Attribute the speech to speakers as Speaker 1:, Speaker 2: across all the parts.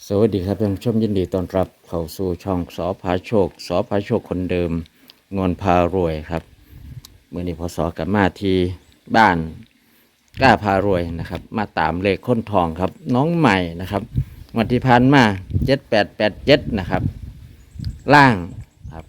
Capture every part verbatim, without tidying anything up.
Speaker 1: สวัสดีครับท่านผู้ชมยินดีต้อนรับเข้าสู่ช่องสอพาโชคสอพาโชคคนเดิมงวนพารวยครับเมื่อนี้พอสอกลับมาที่บ้านกล้าพารวยนะครับมาตามเลขค้นทองครับน้องใหม่นะครับวันที่ผ่านมาเจ็ดแปดแปดเจ็ดนะครับล่างครับ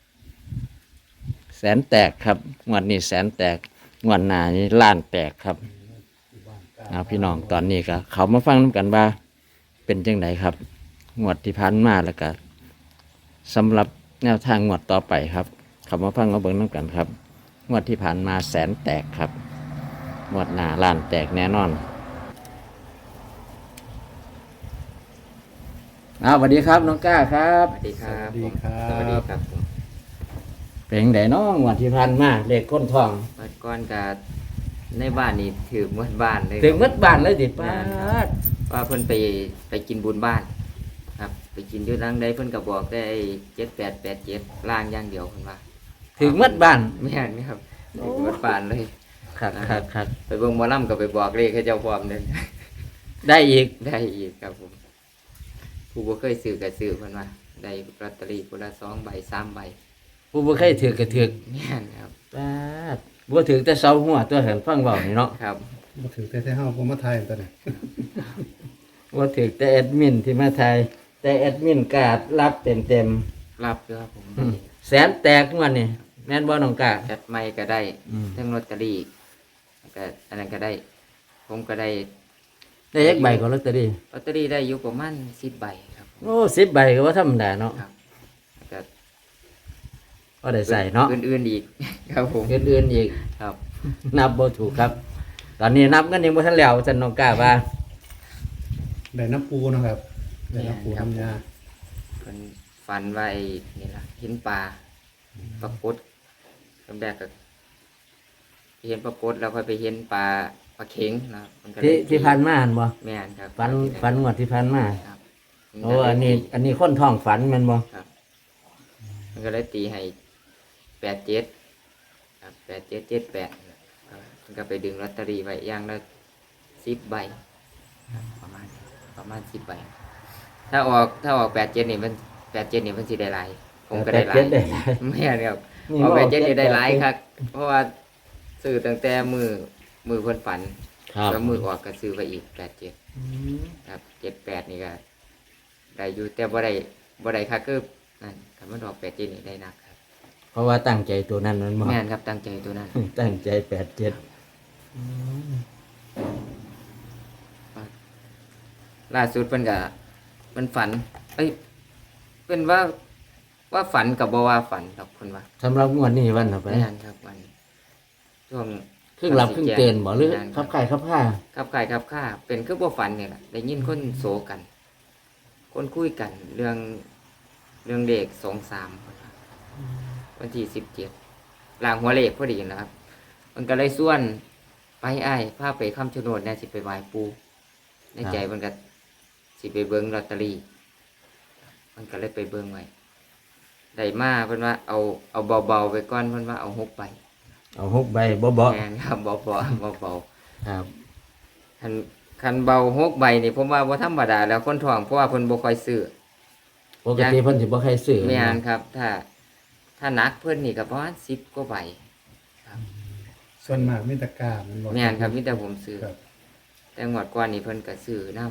Speaker 1: แสนแตกครับงวดนี้แสนแตกงวดหน้านี้ล้านแตกครับเอาพี่น้องตอนนี้ก็เขามาฟังน้ำกันว่าเป็นจังไดครับงวดที่ผ่านมาแล้วก็สำหรับแนวทางงวดต่อไปครับเขามาฟังมาเบิ่งน้ำกันครับงวดที่ผ่านมาแสนแตกครับงวดหน้าล้านแตกแน่นอนเอาสวัสดีครับน้องก้าครับ
Speaker 2: สวัสดีครับ
Speaker 3: สวัสดีครับ
Speaker 2: สวัสดีครับผม
Speaker 1: เป็นจังไดน้องงวดที่ผ่านมาเลขค้นทอง
Speaker 2: เมื่อก่อนกับในบ้านนี่ถือหมดบ้านเลย
Speaker 1: ถึงมัดบ้านเลยดิป้าด
Speaker 2: ว่าเพิ่นไปไปกินบุญบ้าน ครับ ไปกินอยู่รังใดเพิ่นก็บอกได้เจ็ดแปดแปดเจ็ดล่างอย่างเดียวเพิ่นว่า
Speaker 1: ถึงมัดบ้าน
Speaker 2: ไม่เห็นนี่ครับถึงหมดบ้านเลย
Speaker 1: ครับครับครับ
Speaker 2: ไปเบิ่งหมอลำก็ไปบอกเลขให้เจ้าพร้อมเด้อ
Speaker 1: ได้อีก
Speaker 2: ได้อีกครับผมผู้บ่เคยซื้อก็ซื้อเพิ่นว่าได้ลอตเตอรี่คนละสองใบสามใบ
Speaker 1: ผู้บ่เคยถือกระถือก
Speaker 2: แม่นครับ
Speaker 1: ป้าดบ่ถือแต่เสาหัวตัวเห็นฟังเบานี่เนาะ
Speaker 2: ครับ
Speaker 3: มาถือแต่ที่ห้าผมมาไทยตอนนี้
Speaker 1: บ่ถือแต่แอดมินที่มาไทยแต่แอดมินกาดรับเต็มเต็ม
Speaker 2: รับอยู่ครับผม
Speaker 1: ๆแสนแตกทุกวันนี่แม่นบ่น้องกา
Speaker 2: จัดไม่ก็ได้
Speaker 1: อืม
Speaker 2: ทั้งลอตเตอรี่ก็อันนั้นก็ได้ ผมก็ได้
Speaker 1: ได้ยักใบของลอตเตอรี่
Speaker 2: ลอตเตอรี่ได้อยู่ประมาณสิบใบครับ
Speaker 1: โอ้สิบใบก็ว่าธรรมดาเนาะ
Speaker 2: ครับก็
Speaker 1: ก็ได้ใส่เนาะ
Speaker 2: อื่นๆอีก ครับผม
Speaker 1: อื่นๆอีก
Speaker 2: ครับ
Speaker 1: นับบ่ถูกครับ ตอนนี้นับกันยังบ่ทันแล้วจันน้องกาว่า
Speaker 3: ได้น้ำปูนะครับได้น้ำปูน้ำยา
Speaker 2: คนฝันไว้นี่ล่ะเห็นปลาปรากฏคำแรกก็เห็นปรากฏแล้วค่อยไปเห็นปลาปลาเข็งนะครับมันก็เลย
Speaker 1: ที่ที่ผ่านมาหั่นบ่
Speaker 2: แม่นครับ
Speaker 1: ฝันฝันงวดที่ผ่านมา
Speaker 2: ครับ
Speaker 1: โอ้อันนี้ อันนี้คนท้องฝันแม่นบ่
Speaker 2: ครับมันก็เลยตีให้แปดเจ็ดครับแปดเจ็ดเจ็ดแปดมันก็ไปดึงลอตเตอรี่ไว้อย่างละสิบใบครับประมาณประมาณสิบใบ ถ้าออกถ้าออกแปดเจ็ดนี่มันแปดเจ็ดนี่มันสิได้หลายผมก็ได้หลา
Speaker 1: แป
Speaker 2: ย
Speaker 1: ดเจ็ดได้หลาย
Speaker 2: ไม่ใช่ครับ
Speaker 1: นี่
Speaker 2: ออก
Speaker 1: ว่า
Speaker 2: แปดเจ็ดนี่ได้หลาย
Speaker 1: แปดเจ็ด
Speaker 2: ครับ เพราะว่าซื้อตั้งแต่มือมือคนฝัน
Speaker 1: ครับ
Speaker 2: แล้วมือออกก็ซื้อไปอีกแปดเจ็ด
Speaker 1: อืม
Speaker 2: ครับเจ็ดแปดนี่ก็ได้อยู่แต่บ่ได้บ่ได้ค่ะคือนั่นคำว่าดอกแปดเจ็ดนี่ได้หนักครับ
Speaker 1: เพราะว่าตั้งใจตัวนั้นมันบ่
Speaker 2: แม่นครับตั้งใจตัวนั้น
Speaker 1: ตั้งใจแปดเจ็ด
Speaker 2: ล่าสุดเพิ่นก็มันฝัน เอ้ยเพิ่นว่าว่าฝันกับบ่ว่าฝันดอกเพิ่นว่า
Speaker 1: สำหรับงวดนี้วันต่อไป
Speaker 2: แม่นครับวันช่วง
Speaker 1: ครึ่งหลับครึ่งเตือนบ่หรือ
Speaker 2: แม่น
Speaker 1: ขับไข่ขับผ้า
Speaker 2: ครับขายครับค่าเป็นคือบ่ฝันเนี่ยแหละได้ยินคนโศกัน คนคุยกัน เรื่องเรื่องเลขสองสามวันที่สิบเจ็ดลางหัวเลขพอดีนะครับ มันก็เลยส่วนไปไอ้ายพาไปคำชะโนดเนี่ยสิไปไหว้ปูในใจมันก็สิไปเบิ้งลอตเตอรี่ มันก็เลยไปเบิ้งไว้ได้มาเพิ่นว่าเอาเอาเบาๆไปก่อนเพิ่นว่าเอาหกใบ
Speaker 1: เอาหกใบบ่บ่
Speaker 2: แม่นครับเบาๆเบาๆ
Speaker 1: ครับ
Speaker 2: คันคันเบาหกใบนี่ผมว่าบ่ธรรมดาแล้วคนท้องเพราะว่าเพิ่นบ่ค่อยซื้อ
Speaker 1: ปกติเพิ่นสิบ่ใครซื้อ
Speaker 2: แม่นครับ ถ้า ถ้าหนักเพิ่นนี่ก็ประมาณสิบกว่าใบ
Speaker 3: ส่วนมากมิตรกร้ามันบอก
Speaker 2: แม่นครับมีแต่ผมซื้อ
Speaker 3: ครับ
Speaker 2: แต่งวดก่อนนี่เพิ่นก็ซื้อนํ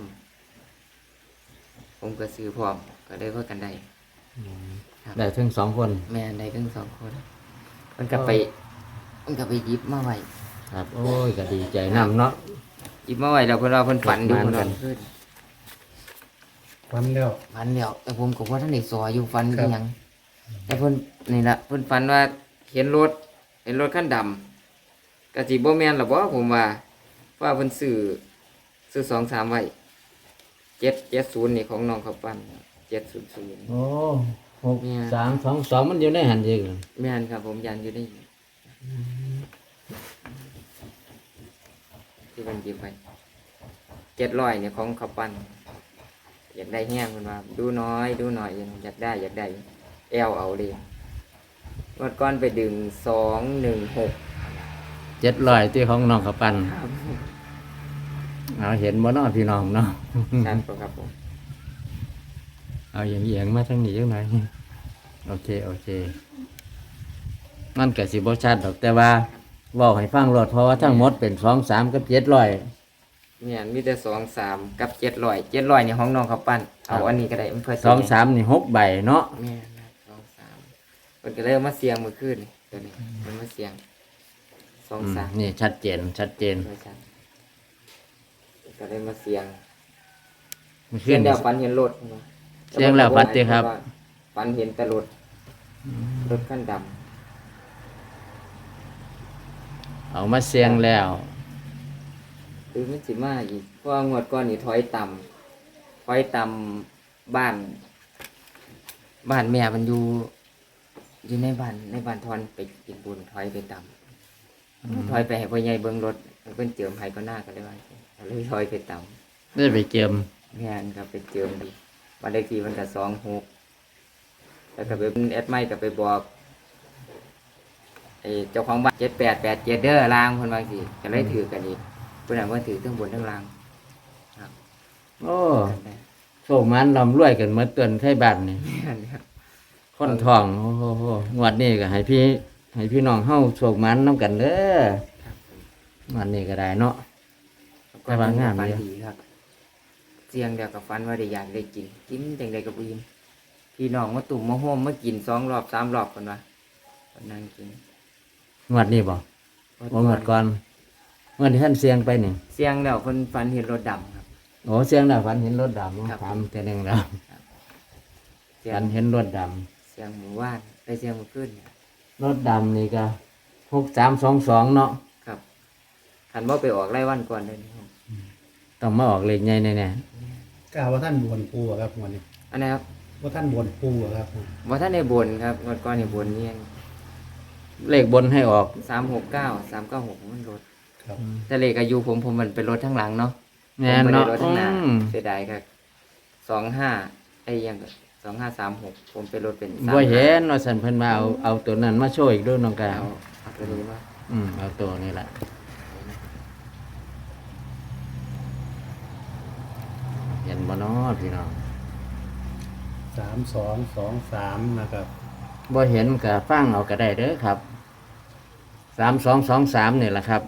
Speaker 2: ผมก็ซื้อพร้อมก็ได้พากันได้ ครับ
Speaker 1: ได้ถึงสองคน
Speaker 2: แม่นได้ทั้งสองคนเพิ่นก็ไปเพิ่นก็ไปหยิบมาไว้
Speaker 1: ครับ โอ้ยก็ดีใจนํเนาะ
Speaker 2: หยิบมาไว้แล้วเพิ่นว่าเพิ่นฝันอยู่
Speaker 1: ฝัน
Speaker 2: เพิ่น
Speaker 1: กั
Speaker 2: ว่าน ขึ้น
Speaker 3: ฟันแล้ว
Speaker 2: ฝันแล้วแต่ผมก็ว่าท่านได้สออยู่ฝัน
Speaker 3: ครั
Speaker 2: อี
Speaker 3: บ
Speaker 2: หยังแต่เพิ่นนี่ล่ะเพิ่นฝันว่าเห็นรถเห็นรถคันดำก็สิบ่แม่นล่ะบ่ผมว่าว่าเพิ่นซื้อซื้อสองสามไว้เจ็ดเจ็ดศูนย์นี่ของน้องเขาปั้นเจ็ดศูนย์ศูนย์
Speaker 1: โอ้หก
Speaker 2: เนี่ย
Speaker 1: สามสองสองมันอยู่ในหันเอง
Speaker 2: แม่นครับผมยันอยู่ได้อยู่ที่มันหยิบไปเจ็ดร้อยเนี่ยของเขาปั้นอยากได้แห้งเพิ่นว่าดูน้อยดูหน่อยอยากได้อยากได้แอลเอาเลยงวดก้อนไปดึงสองหนึ่งหก
Speaker 1: เจ็ดร้อยที่ของน้องเขาปันเอาเห็นบ่เนาะพี่น้องเนาะ
Speaker 2: ชัดปะครับผม
Speaker 1: เอาอย่างเอียงมาทางนี้จังหน่อยโอเคโอเคมันก็สิบ่ชัดดอกแต่ว่าเว้าให้ฟังรถเพราะว่าทั้งหมดเป็นสองสามกับเจ็ดร้อย
Speaker 2: เนี่ยมีแต่สองสามกับเจ็ดร้อยเจ็ดร้อยในห้องน้องเขาปั้นเอาอันนี้ก็ได้มันเพื่อ
Speaker 1: สองสามนี่หกใบเนาะ
Speaker 2: แม่นะสองสามมันก็เลยเอามาเสียงมือขึ้นนี่ตัวนี้มันมาเสียงสอง
Speaker 1: อืม
Speaker 2: สาม
Speaker 1: นี่ชัดเจนชัดเจน
Speaker 2: ไม่ใช่ก็เลยมาเสียง
Speaker 1: มัน
Speaker 2: เสี
Speaker 1: ขึ้
Speaker 2: ย
Speaker 1: น
Speaker 2: งเดียวฟันเห็นรถ
Speaker 1: เสียงแล้วฟันติครับ
Speaker 2: ฟันเห็นแต่รถรถขั้นด
Speaker 1: เอามาเสียงแล้ว
Speaker 2: ำคือมันสิมาอีกเพราะว่างวดก้อนนี่ถอยต่ำถอยต่ำบ้าน บ้านแม่มันอยู่อยู่ในบ้านในบ้านทอนไปกินบุญถอยไปต่ำถอยไปให้พ่อใหญ่เบิ้งรถเพิ่นเจิมให้ก็หน้ากันเลยว่าก็เลยถอยไปต่ำ
Speaker 1: ได้ไปเจิม
Speaker 2: แม่นก็ไปเจิมดีวันเลขที่มันก็สองหกแล้วก็ไปแอดไม่ก็ไปบอกไอ้เจ้าของบ้านเจ็ดแปดแปดเจ็ดเด้อลางคนบางสิก็เลยถือกันอีกเพื่อนว่าถือทั้งบนทั้งล่าง
Speaker 1: โอ้
Speaker 2: กันได้
Speaker 1: โชคมันลำรวยกันเมื่อเตือนไทยบ้านนี่
Speaker 2: แม่นครับ
Speaker 1: คนทองโอ้โหโหงวดนี้ก็ให้พี่ให้พี่น้องเฮาโชคมันน้ำกันเด้อ
Speaker 2: ครับผม
Speaker 1: งวันนี้ก็ได้เนาะ แต่ว่างาม
Speaker 2: ฟัน
Speaker 1: เดียว
Speaker 2: ดีครับเสียงเดียวกับฟันว่าได้อยากได้กินกินจังใดกับอิ่มพี่น้องมาตุ่มมาโฮมมากินสองรอบสามรอบกันวะคนนั่งกิน
Speaker 1: งวดนี้บ่บ่งวดก่อนงวดที่ท่านเสียงไปนี่
Speaker 2: เสียงเดียวคนฟันเห็นรถดำครับ
Speaker 1: โอ้เสียงแล้วฝันเห็นรถดำ
Speaker 2: ครับ
Speaker 1: ถามแต่หนึงแล้ว
Speaker 2: เสีย
Speaker 1: ฝั
Speaker 2: ง
Speaker 1: นเห็นรถด
Speaker 2: เสียงหมู่บ้านได้เสียงหมู่ขึ้นเนี่ย
Speaker 1: ำรถดำนี่ก็หกสามสองสองเนาะ
Speaker 2: ครับขันว่าไปออกไล่วันก่อนเลยนะครับ
Speaker 1: ต้องมาออกเลขใหญ่แน่
Speaker 3: กล่าวว่าท่านบวนปูอะครับวันนี้
Speaker 2: อันนี้ครับ
Speaker 3: ว่าท่านบวนปูอะครับ
Speaker 2: ว่าท่านในบนครับวันก่อนในบนเนี่ย
Speaker 1: ๆเลขบนให้ออก
Speaker 2: สามหกเก้าสามเก้าหกมันรถ
Speaker 3: ครับ
Speaker 2: แต่เลขอายุผมผมมันเป็นรถทั้งหลังเนาะ
Speaker 1: แน่น
Speaker 2: ผมบ่
Speaker 1: เนาะ
Speaker 2: ได้รถ
Speaker 1: อื
Speaker 2: ทั้งหน้าม เสียดายครับสองห้าไอ้ยังสองห้าสามหกผมเป็นรถเป็นสาม
Speaker 1: บ่เห็นว่าสันเพิ่นมาเอาเอาตัวนั้นมาโชว์อีกด้วยน้องกา
Speaker 2: เอาเอาตัวนี้มา
Speaker 1: อืมเอาตัวนี้แหละเห็นบ่เนาะพี่น้อง
Speaker 3: สามสองสองสามนะครับ
Speaker 1: บ่เห็นก็ฟังเอาก็ได้เด้อครับสามสองสองสามนี่แหละครับ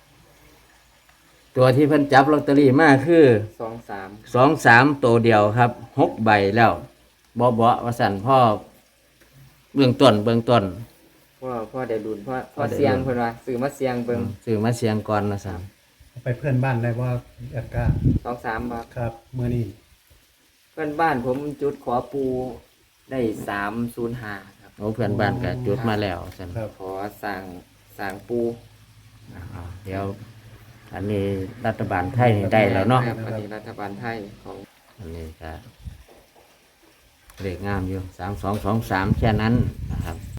Speaker 1: ตัวที่เพิ่นจับลอตเตอรี่มาคือ
Speaker 2: สองสาม
Speaker 1: สองสามตัวเดียวครับหกใบแล้วบ่บ่ว่าสั่นพ่อเบื้องต้นเบื้องต้น
Speaker 2: พ่อพ่อได้ดุนพ่อพ่อ
Speaker 1: พ่อได้
Speaker 2: เสียง
Speaker 1: ดุล
Speaker 2: เพิ่นว่าซื้อมาเสียงเบิ่ง
Speaker 1: ซื้อมาเสียงก่อนนะสั่น
Speaker 3: ไปเพื่อนบ้านได้ว่าแอดก้า
Speaker 2: สองสามบาท
Speaker 3: ครับเมื่อนี้
Speaker 2: เพื่อนบ้านผมจุดขอปูได้สามศูนย์ห้าครับ
Speaker 1: โอ้เพื่อนบ้านก็จุดมาแล้วสั่น
Speaker 3: ครับ
Speaker 2: ขอสั่งสั่งปู
Speaker 1: อ่าเดี๋ยว อันนี้รัฐบาลไทยนี่ได้แล้วเนาะ
Speaker 2: ครับอันนี้รัฐบาลไทยของ
Speaker 1: อันนี้ก็เลขงามอยู่สามสองสองสามแค่นั้นนะครับ